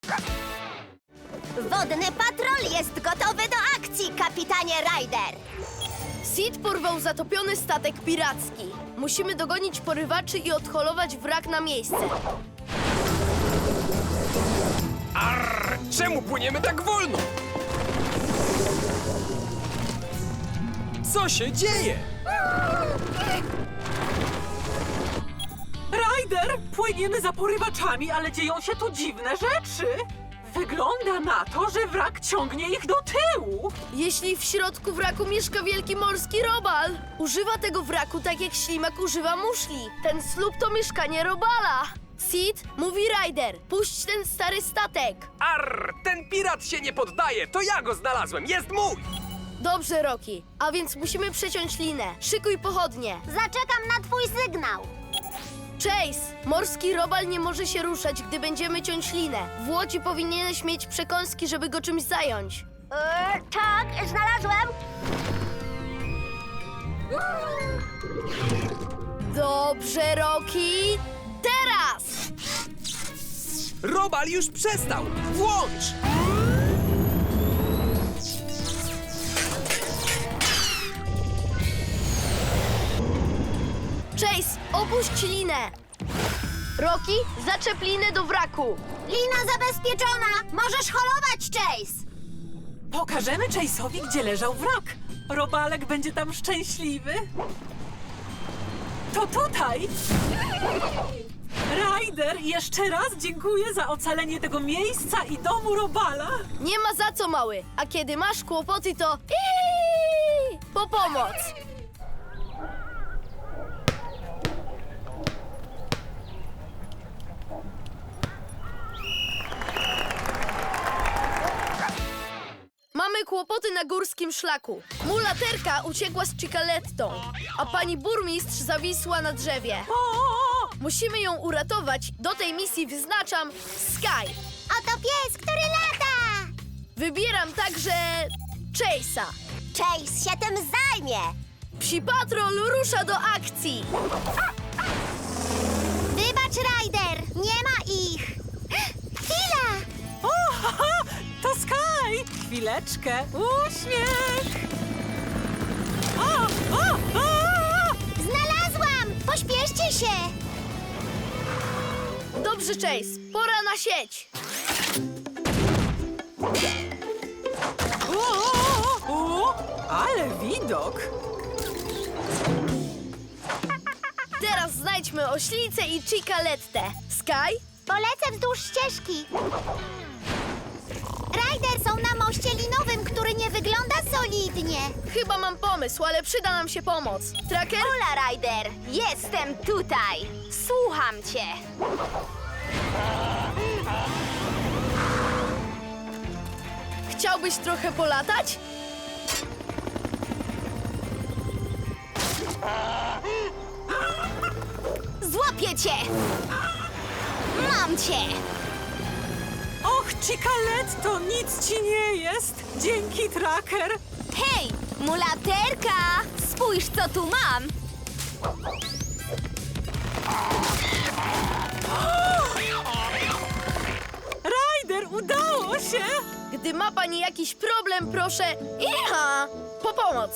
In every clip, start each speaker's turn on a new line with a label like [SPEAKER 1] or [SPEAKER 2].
[SPEAKER 1] Wodny patrol jest gotowy do akcji, kapitanie Ryder.
[SPEAKER 2] Sid porwał zatopiony statek piracki. Musimy dogonić porywaczy i odholować wrak na miejsce.
[SPEAKER 3] Arr! Czemu płyniemy tak wolno? Co się dzieje?
[SPEAKER 4] Ryder, płyniemy za porywaczami, ale dzieją się tu dziwne rzeczy. Wygląda na to, że wrak ciągnie ich do tyłu.
[SPEAKER 2] Jeśli w środku wraku mieszka wielki morski robal, używa tego wraku tak jak ślimak używa muszli. Ten słup to mieszkanie robala. Sid, mówi Ryder, puść ten stary statek.
[SPEAKER 3] Arr! Ten pirat się nie poddaje! To ja go znalazłem! Jest mój!
[SPEAKER 2] Dobrze, Rocky, a więc musimy przeciąć linę. Szykuj pochodnie.
[SPEAKER 1] Zaczekam na twój sygnał.
[SPEAKER 2] Chase, morski robal nie może się ruszać, gdy będziemy ciąć linę. W łodzi powinieneś mieć przekąski, żeby go czymś zająć.
[SPEAKER 1] Tak, znalazłem.
[SPEAKER 2] Dobrze, Rocky. Teraz!
[SPEAKER 3] Robal już przestał! Włącz!
[SPEAKER 2] Chase, opuść linę. Rocky, zaczep linę do wraku.
[SPEAKER 1] Lina zabezpieczona. Możesz holować, Chase.
[SPEAKER 4] Pokażemy Chase'owi, gdzie leżał wrak. Robalek będzie tam szczęśliwy. To tutaj! Ryder, jeszcze raz dziękuję za ocalenie tego miejsca i domu Robala.
[SPEAKER 2] Nie ma za co, mały. A kiedy masz kłopoty, to po pomoc. Mamy kłopoty na górskim szlaku. Mulaterka uciekła z Cicalettą, a pani burmistrz zawisła na drzewie.
[SPEAKER 4] O!
[SPEAKER 2] Musimy ją uratować. Do tej misji wyznaczam Sky.
[SPEAKER 1] Oto pies, który lata.
[SPEAKER 2] Wybieram także Chase'a.
[SPEAKER 1] Chase się tym zajmie.
[SPEAKER 2] Psi Patrol rusza do akcji.
[SPEAKER 1] Wybacz, Ryder. Nie ma ich. Chwila.
[SPEAKER 4] O, haha, to Sky! Chwileczkę, uśmiech! O, o, o!
[SPEAKER 1] Znalazłam. Pośpieszcie się.
[SPEAKER 2] Dobrze, Chase. Pora na sieć.
[SPEAKER 4] O, ale widok!
[SPEAKER 2] Teraz znajdźmy oślicę i Cicalettę. Sky?
[SPEAKER 1] Polecę wzdłuż ścieżki. Ryder, są na moście linowym, który nie wygląda solidnie.
[SPEAKER 2] Chyba mam pomysł, ale przyda nam się pomoc. Tracker?
[SPEAKER 1] Hola, Ryder. Jestem tutaj. Słucham cię.
[SPEAKER 2] Chciałbyś trochę polatać?
[SPEAKER 1] Złapię cię. Mam cię.
[SPEAKER 4] Och, Cicaletto, nic ci nie jest! Dzięki, Tracker!
[SPEAKER 1] Hej, mulaterka. Spójrz, co tu mam.
[SPEAKER 4] Ryder, udało się!
[SPEAKER 2] Gdy ma pani jakiś problem, proszę... Iha! Po pomoc!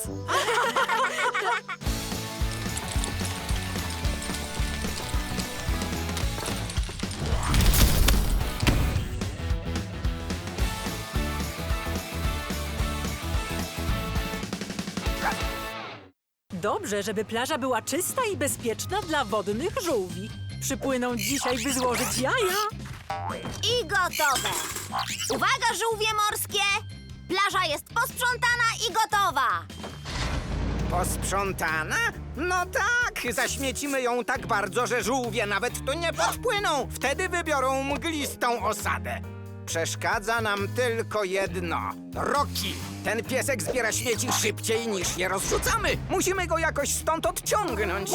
[SPEAKER 4] Dobrze, żeby plaża była czysta i bezpieczna dla wodnych żółwi. Przypłyną dzisiaj, by złożyć jaja.
[SPEAKER 1] I gotowe. Uwaga, żółwie morskie. Plaża jest posprzątana i gotowa.
[SPEAKER 5] Posprzątana? No tak, zaśmiecimy ją tak bardzo, że żółwie nawet tu nie podpłyną. Wtedy wybiorą mglistą osadę. Przeszkadza nam tylko jedno. Rocky! Ten piesek zbiera śmieci szybciej niż je rozrzucamy. Musimy go jakoś stąd odciągnąć.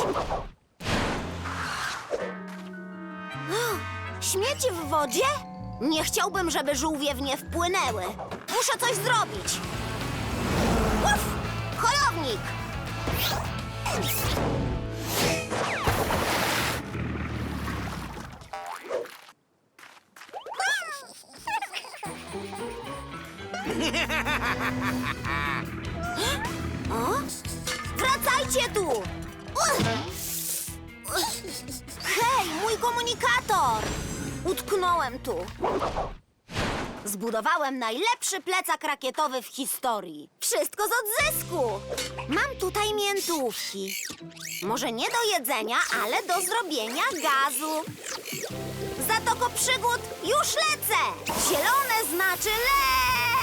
[SPEAKER 1] Śmieci w wodzie? Nie chciałbym, żeby żółwie w nie wpłynęły. Muszę coś zrobić. Uf! Holownik! Wracajcie tu! Hej, mój komunikator! Utknąłem tu. Zbudowałem najlepszy plecak rakietowy w historii. Wszystko z odzysku. Mam tutaj miętówki. Może nie do jedzenia, ale do zrobienia gazu. Zatoko przygód, już lecę! Zielone znaczy leć!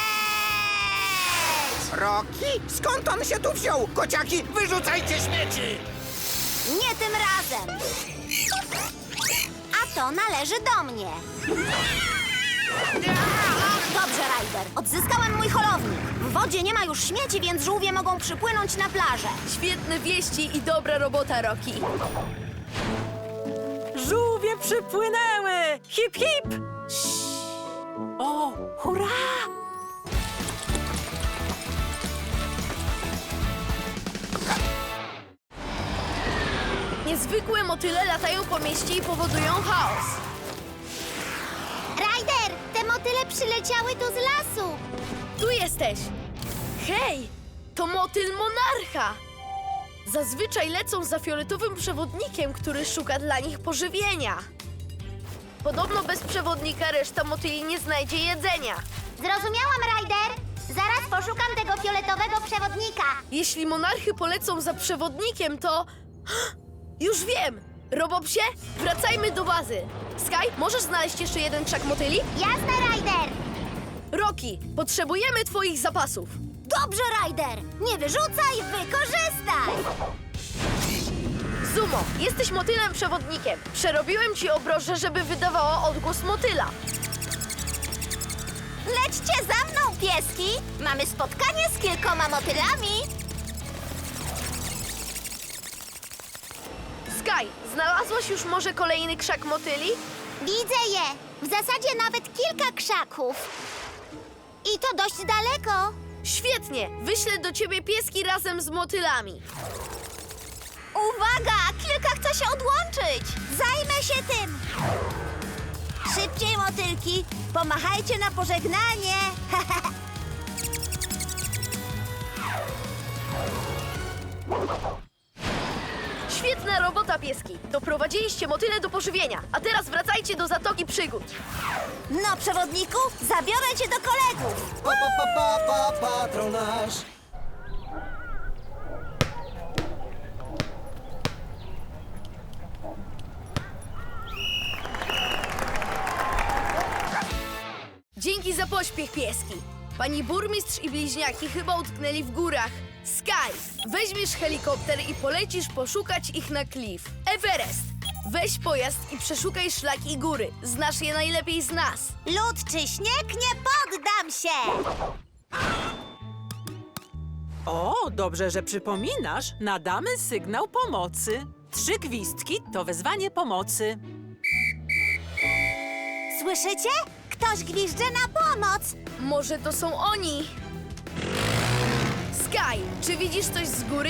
[SPEAKER 5] Rocky? Skąd on się tu wziął? Kociaki, wyrzucajcie śmieci!
[SPEAKER 1] Nie tym razem. A to należy do mnie. Dobrze, Ryder. Odzyskałem mój holownik. W wodzie nie ma już śmieci, więc żółwie mogą przypłynąć na plażę.
[SPEAKER 2] Świetne wieści i dobra robota, Rocky.
[SPEAKER 4] Żółwie przypłynęły! Hip, hip! O, hurra!
[SPEAKER 2] Niezwykłe motyle latają po mieście i powodują chaos.
[SPEAKER 1] Ryder, te motyle przyleciały tu z lasu.
[SPEAKER 2] Tu jesteś! Hej! To motyl monarcha! Zazwyczaj lecą za fioletowym przewodnikiem, który szuka dla nich pożywienia. Podobno bez przewodnika reszta motyli nie znajdzie jedzenia.
[SPEAKER 1] Zrozumiałam, Ryder. Zaraz poszukam tego fioletowego przewodnika.
[SPEAKER 2] Jeśli monarchy polecą za przewodnikiem, to... Już wiem! Robopsie, wracajmy do bazy. Sky, możesz znaleźć jeszcze jeden krzak motyli?
[SPEAKER 1] Jasne, Ryder.
[SPEAKER 2] Rocky, potrzebujemy twoich zapasów.
[SPEAKER 1] Dobrze, Ryder. Nie wyrzucaj, wykorzystaj.
[SPEAKER 2] Zumo, jesteś motylem przewodnikiem. Przerobiłem ci obroże, żeby wydawało odgłos motyla.
[SPEAKER 1] Lećcie za mną, pieski. Mamy spotkanie z kilkoma motylami.
[SPEAKER 2] Sky, znalazłaś już może kolejny krzak motyli?
[SPEAKER 1] Widzę je. W zasadzie nawet kilka krzaków. I to dość daleko.
[SPEAKER 2] Świetnie, wyślę do ciebie pieski razem z motylami.
[SPEAKER 1] Uwaga! Kilka chce się odłączyć. Zajmę się tym. Szybciej, motylki. Pomachajcie na pożegnanie.
[SPEAKER 2] Świetna robota, pieski. Doprowadziliście motyle do pożywienia. A teraz wracajcie do Zatoki Przygód.
[SPEAKER 1] No, przewodniku, zabiorę cię do kolegów.
[SPEAKER 6] Patronaż.
[SPEAKER 2] Dzięki za pośpiech, pieski. Pani burmistrz i bliźniaki chyba utknęli w górach. Sky, weźmiesz helikopter i polecisz poszukać ich na Cliff. Everest, weź pojazd i przeszukaj szlaki i góry. Znasz je najlepiej z nas.
[SPEAKER 1] Lód czy śnieg, nie poddam się.
[SPEAKER 4] O, dobrze, że przypominasz. Nadamy sygnał pomocy. 3 gwizdki to wezwanie pomocy.
[SPEAKER 1] Słyszycie? Ktoś gwizdże na pomoc.
[SPEAKER 2] Może to są oni? Sky, czy widzisz coś z góry?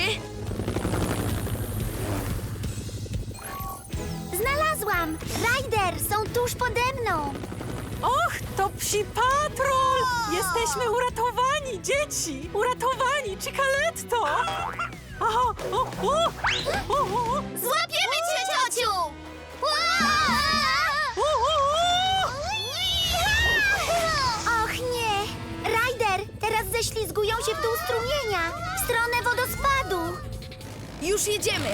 [SPEAKER 1] Znalazłam. Ryder, są tuż pode mną.
[SPEAKER 4] Och, to psi patrol! Jesteśmy uratowani, dzieci! Uratowani, Cicaletto! O, o, o, o, o,
[SPEAKER 1] Złapiemy cię, ciociu! Och nie! Ryder, teraz ześlizgują się w dół strumienia, w stronę wodospadu.
[SPEAKER 2] Już jedziemy!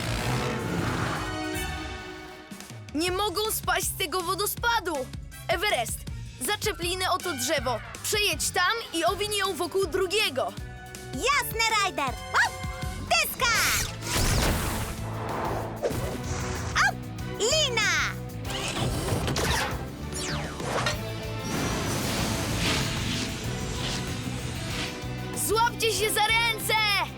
[SPEAKER 2] Nie mogą spaść z tego wodospadu! Everest, zaczep linę o to drzewo. Przejedź tam i owinij ją wokół drugiego.
[SPEAKER 1] Jasne, Ryder! Op! Deska! Op! Lina!
[SPEAKER 2] Złapcie się za ręce!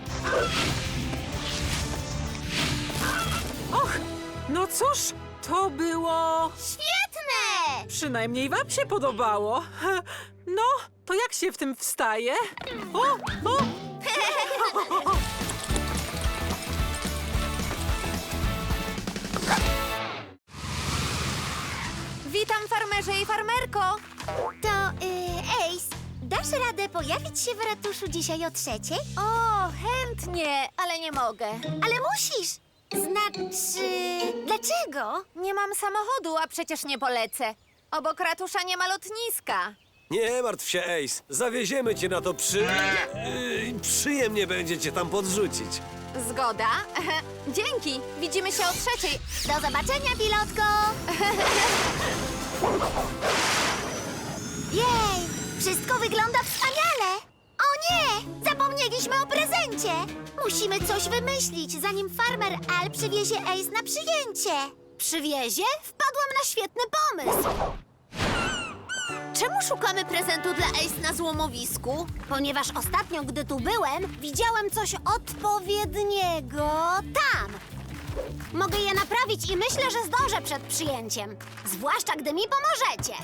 [SPEAKER 4] Och, no cóż, to było...
[SPEAKER 1] Świetne!
[SPEAKER 4] Przynajmniej wam się podobało. No, to jak się w tym wstaje? O, o!
[SPEAKER 1] Witam, farmerze i farmerko. To, Ace, dasz radę pojawić się w ratuszu dzisiaj o 3:00? O, chętnie, ale nie mogę. Ale musisz! Znaczy, dlaczego? Nie mam samochodu, a przecież nie polecę. Obok ratusza nie ma lotniska.
[SPEAKER 6] Nie martw się, Ace. Zawieziemy cię na to przyjemnie będzie cię tam podrzucić.
[SPEAKER 1] Zgoda. Dzięki. Widzimy się o 3:00. Do zobaczenia, pilotko. Jej, wszystko wygląda wspaniale. O nie, zapomnieliśmy o prezencie. Musimy coś wymyślić, zanim farmer Al przywiezie Ace na przyjęcie. Przywiezie? Wpadłam na świetny pomysł. Czemu szukamy prezentu dla Ace na złomowisku? Ponieważ ostatnio, gdy tu byłem, widziałem coś odpowiedniego tam. Mogę je naprawić i myślę, że zdążę przed przyjęciem. Zwłaszcza, gdy mi pomożecie.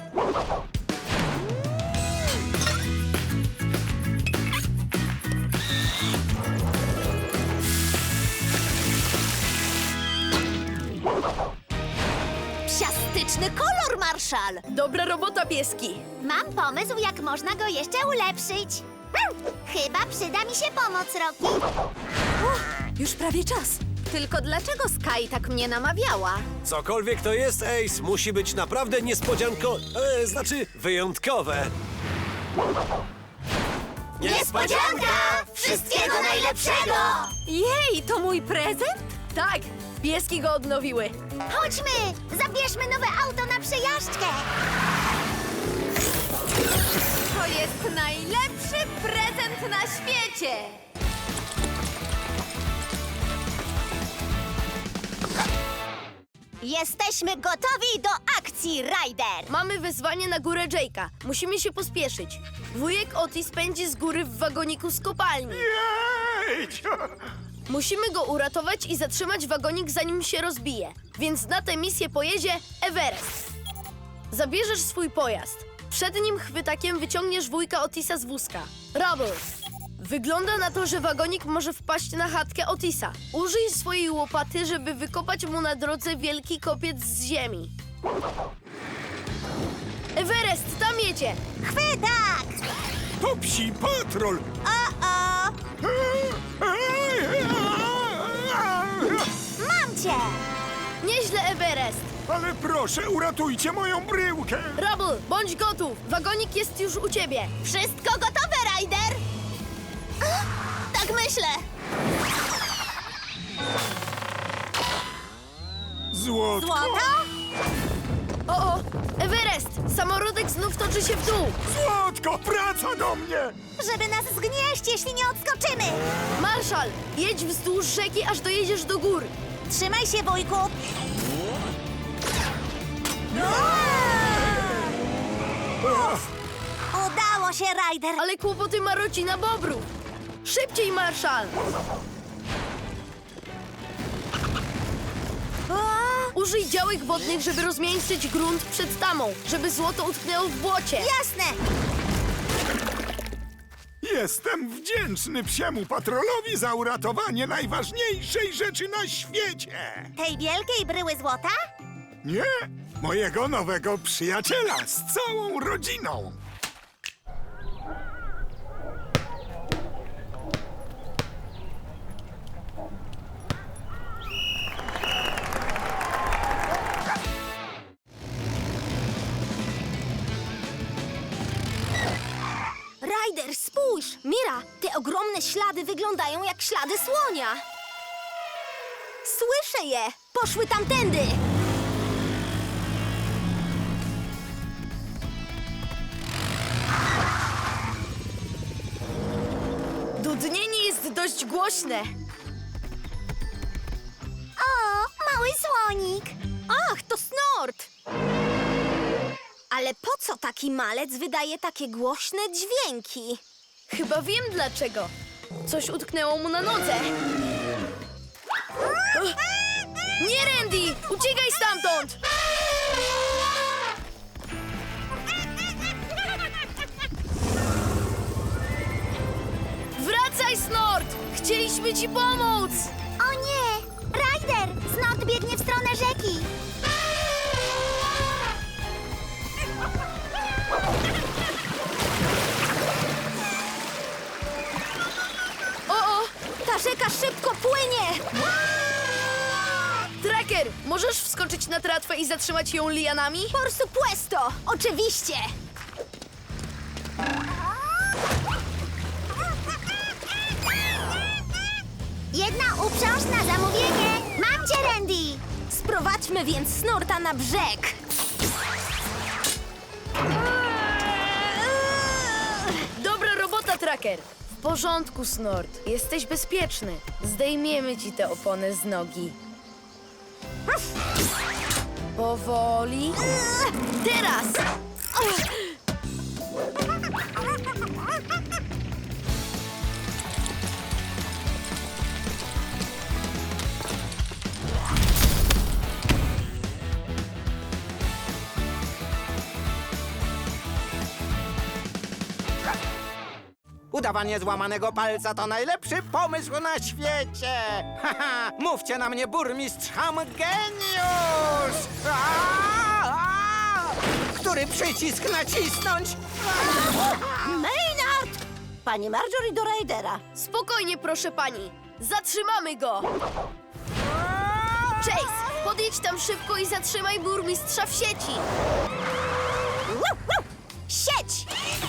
[SPEAKER 1] Psiastyczny kolor, Marszal!
[SPEAKER 2] Dobra robota, pieski.
[SPEAKER 1] Mam pomysł, jak można go jeszcze ulepszyć. Chyba przyda mi się pomoc, Rocky.
[SPEAKER 7] Już prawie czas.
[SPEAKER 1] Tylko dlaczego Sky tak mnie namawiała?
[SPEAKER 6] Cokolwiek to jest, Ace, musi być naprawdę wyjątkowe.
[SPEAKER 1] Niespodzianka! Wszystkiego najlepszego!
[SPEAKER 7] Jej, to mój prezent?
[SPEAKER 2] Tak, pieski go odnowiły.
[SPEAKER 1] Chodźmy! Zabierzmy nowe auto na przejażdżkę!
[SPEAKER 7] To jest najlepszy prezent na świecie!
[SPEAKER 1] Jesteśmy gotowi do akcji, Ryder!
[SPEAKER 2] Mamy wezwanie na górę Jake'a. Musimy się pospieszyć. Wujek Otis pędzi z góry w wagoniku z kopalni. Musimy go uratować i zatrzymać wagonik, zanim się rozbije. Więc na tę misję pojedzie Everest. Zabierzesz swój pojazd. Przed nim chwytakiem wyciągniesz wujka Otisa z wózka. Rubble. Wygląda na to, że wagonik może wpaść na chatkę Otisa. Użyj swojej łopaty, żeby wykopać mu na drodze wielki kopiec z ziemi. Everest, tam jedzie!
[SPEAKER 1] Chwytak!
[SPEAKER 8] To psi patrol!
[SPEAKER 1] O! Mam cię!
[SPEAKER 2] Nieźle, Everest!
[SPEAKER 8] Ale proszę, uratujcie moją bryłkę!
[SPEAKER 2] Rubble, bądź gotów! Wagonik jest już u ciebie!
[SPEAKER 1] Wszystko gotowe, Ryder? Tak myślę.
[SPEAKER 8] Złotko!
[SPEAKER 1] Złoto?
[SPEAKER 2] O! Everest! Samorodek znów toczy się w dół!
[SPEAKER 8] Złotko, wraca do mnie!
[SPEAKER 1] Żeby nas zgnieść, jeśli nie odskoczymy.
[SPEAKER 2] Marszal, jedź wzdłuż rzeki, aż dojedziesz do gór!
[SPEAKER 1] Trzymaj się, wujku. Udało się, Ryder.
[SPEAKER 2] Ale kłopoty ma rodzina Bobrów! Szybciej, Marszal! Użyj działek wodnych, żeby rozmiękczyć grunt przed tamą, żeby złoto utknęło w błocie!
[SPEAKER 1] Jasne.
[SPEAKER 8] Jestem wdzięczny psiemu patrolowi za uratowanie najważniejszej rzeczy na świecie!
[SPEAKER 1] Tej wielkiej bryły złota?
[SPEAKER 8] Nie, mojego nowego przyjaciela z całą rodziną!
[SPEAKER 1] Ryder, spójrz! Mira, te ogromne ślady wyglądają jak ślady słonia. Słyszę je! Poszły tamtędy!
[SPEAKER 2] Dudnienie jest dość głośne!
[SPEAKER 1] O, mały słonik! Ach, to snort! Ale po co taki malec wydaje takie głośne dźwięki?
[SPEAKER 2] Chyba wiem dlaczego. Coś utknęło mu na nodze. Nie, Randy! Uciekaj stamtąd! Wracaj, Snort! Chcieliśmy ci pomóc!
[SPEAKER 1] O nie! Ryder! Snort biegnie w stronę rzeki! płynie!
[SPEAKER 2] Tracker, możesz wskoczyć na tratwę i zatrzymać ją lianami?
[SPEAKER 1] Por supuesto! Oczywiście! Jedna uprząż na zamówienie! Mam cię, Randy! Sprowadźmy więc Snorta na brzeg!
[SPEAKER 2] Dobra robota, Tracker. W porządku, Snort. Jesteś bezpieczny. Zdejmiemy ci te opony z nogi. Powoli. Teraz!
[SPEAKER 5] Udawanie złamanego palca to najlepszy pomysł na świecie! Haha, mówcie na mnie, burmistrz Hamgeniusz! Który przycisk nacisnąć?
[SPEAKER 1] Maynard! Pani Marjorie do Raidera.
[SPEAKER 2] Spokojnie, proszę pani. Zatrzymamy go! Chase, podjedź tam szybko i zatrzymaj burmistrza w sieci.
[SPEAKER 1] Sieć!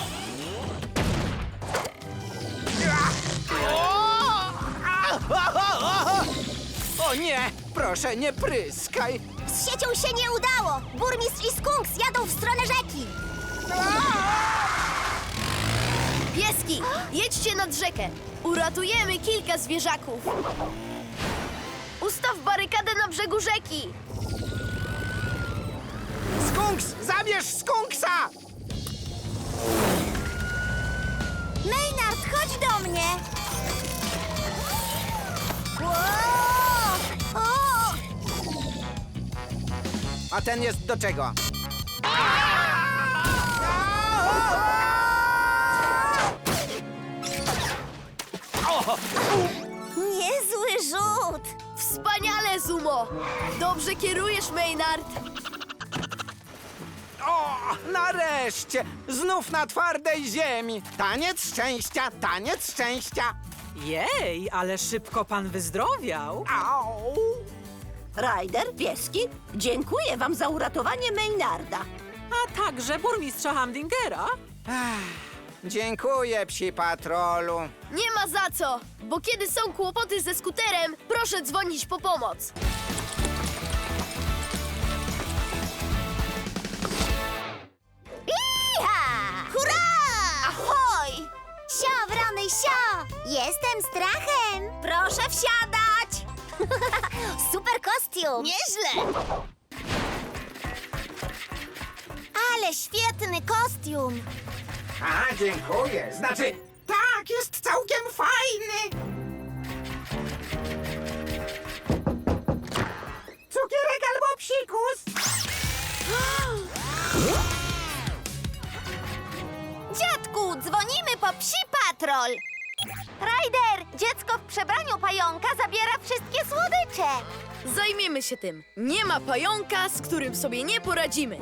[SPEAKER 5] O nie! Proszę, nie pryskaj!
[SPEAKER 1] Z siecią się nie udało! Burmistrz i Skunks jadą w stronę rzeki!
[SPEAKER 2] Pieski, jedźcie nad rzekę. Uratujemy kilka zwierzaków. Ustaw barykadę na brzegu rzeki.
[SPEAKER 5] Skunks! Zabierz Skunksa!
[SPEAKER 1] Maynard, chodź do mnie! O!
[SPEAKER 5] A ten jest do czego?
[SPEAKER 1] Niezły rzut!
[SPEAKER 2] Wspaniale, Zumo. Dobrze kierujesz, Maynard.
[SPEAKER 5] O, nareszcie! Znów na twardej ziemi! Taniec szczęścia, taniec szczęścia!
[SPEAKER 4] Jej, ale szybko pan wyzdrowiał.
[SPEAKER 5] Au!
[SPEAKER 1] Ryder, pieski, dziękuję wam za uratowanie Maynarda.
[SPEAKER 4] A także burmistrza Hamdingera.
[SPEAKER 5] Dziękuję, psi patrolu.
[SPEAKER 2] Nie ma za co, bo kiedy są kłopoty ze skuterem, proszę dzwonić po pomoc.
[SPEAKER 1] Iha! Hurra! Ahoj! Sio, wrony, sio! Jestem strachem! Proszę wsiadać! Super kostium! Nieźle! Ale świetny kostium!
[SPEAKER 5] A, dziękuję. Znaczy, tak, jest całkiem fajny. Cukierek albo psikus?
[SPEAKER 1] Dziadku, dzwonimy po psi patrol! Ryder, dziecko w przebraniu pająka zabiera wszystkie słodycze!
[SPEAKER 2] Zajmiemy się tym. Nie ma pająka, z którym sobie nie poradzimy.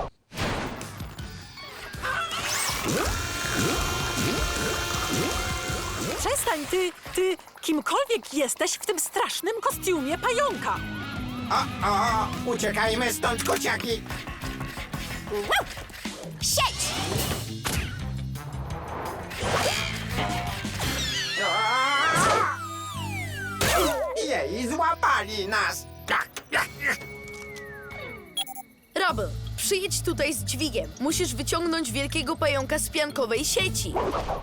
[SPEAKER 4] Przestań, ty, kimkolwiek jesteś w tym strasznym kostiumie pająka.
[SPEAKER 5] Uciekajmy stąd, kociaki.
[SPEAKER 1] Sieć!
[SPEAKER 5] Jej, złapali nas.
[SPEAKER 2] Rubble, przyjedź tutaj z dźwigiem. Musisz wyciągnąć wielkiego pająka z piankowej sieci.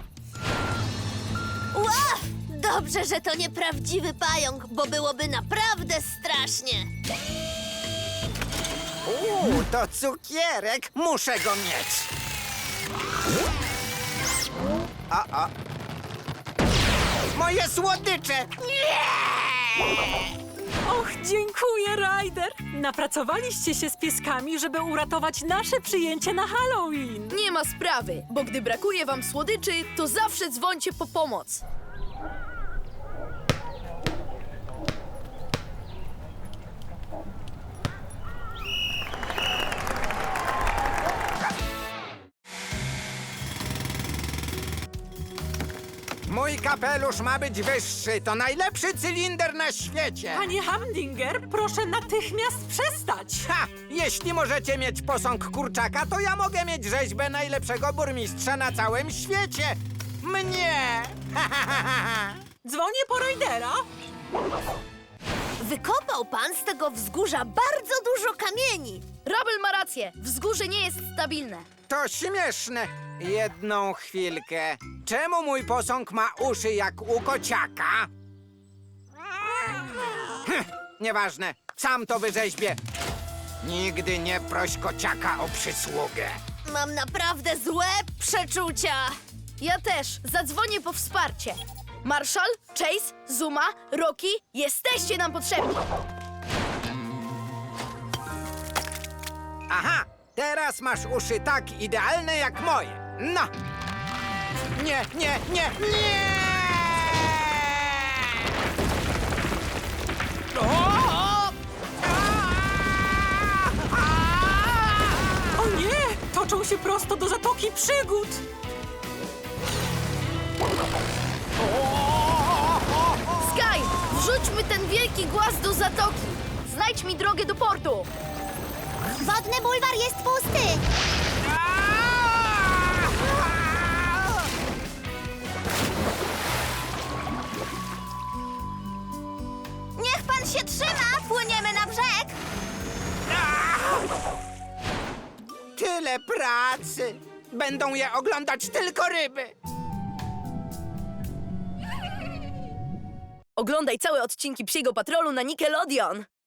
[SPEAKER 1] Ła! Dobrze, że to nieprawdziwy pająk, bo byłoby naprawdę strasznie.
[SPEAKER 5] To cukierek. Muszę go mieć. Moje słodycze!
[SPEAKER 4] Och, dziękuję, Ryder. Napracowaliście się z pieskami, żeby uratować nasze przyjęcie na Halloween.
[SPEAKER 2] Nie ma sprawy, bo gdy brakuje wam słodyczy, to zawsze dzwońcie po pomoc.
[SPEAKER 5] Mój kapelusz ma być wyższy. To najlepszy cylinder na świecie.
[SPEAKER 4] Panie Hamdinger, proszę natychmiast przestać.
[SPEAKER 5] Ha! Jeśli możecie mieć posąg kurczaka, to ja mogę mieć rzeźbę najlepszego burmistrza na całym świecie. Mnie!
[SPEAKER 4] Dzwonię po Rajdera.
[SPEAKER 1] Wykopał pan z tego wzgórza bardzo dużo kamieni.
[SPEAKER 2] Rubble ma rację, wzgórze nie jest stabilne.
[SPEAKER 5] To śmieszne. Jedną chwilkę. Czemu mój posąg ma uszy jak u kociaka? Nieważne. Sam to wyrzeźbię. Nigdy nie proś kociaka o przysługę.
[SPEAKER 1] Mam naprawdę złe przeczucia.
[SPEAKER 2] Ja też, zadzwonię po wsparcie. Marshall, Chase, Zuma, Rocky, jesteście nam potrzebni.
[SPEAKER 5] Aha! Teraz masz uszy tak idealne jak moje. No! Nie, nie, nie, nie!
[SPEAKER 4] O nie! Toczą się prosto do Zatoki Przygód.
[SPEAKER 2] Sky, wrzućmy ten wielki głaz do zatoki. Znajdź mi drogę do portu.
[SPEAKER 1] Wodny bulwar jest pusty. Niech pan się trzyma. Płyniemy na brzeg.
[SPEAKER 5] Tyle pracy! Będą je oglądać tylko ryby!
[SPEAKER 2] Oglądaj całe odcinki Psiego Patrolu na Nickelodeon.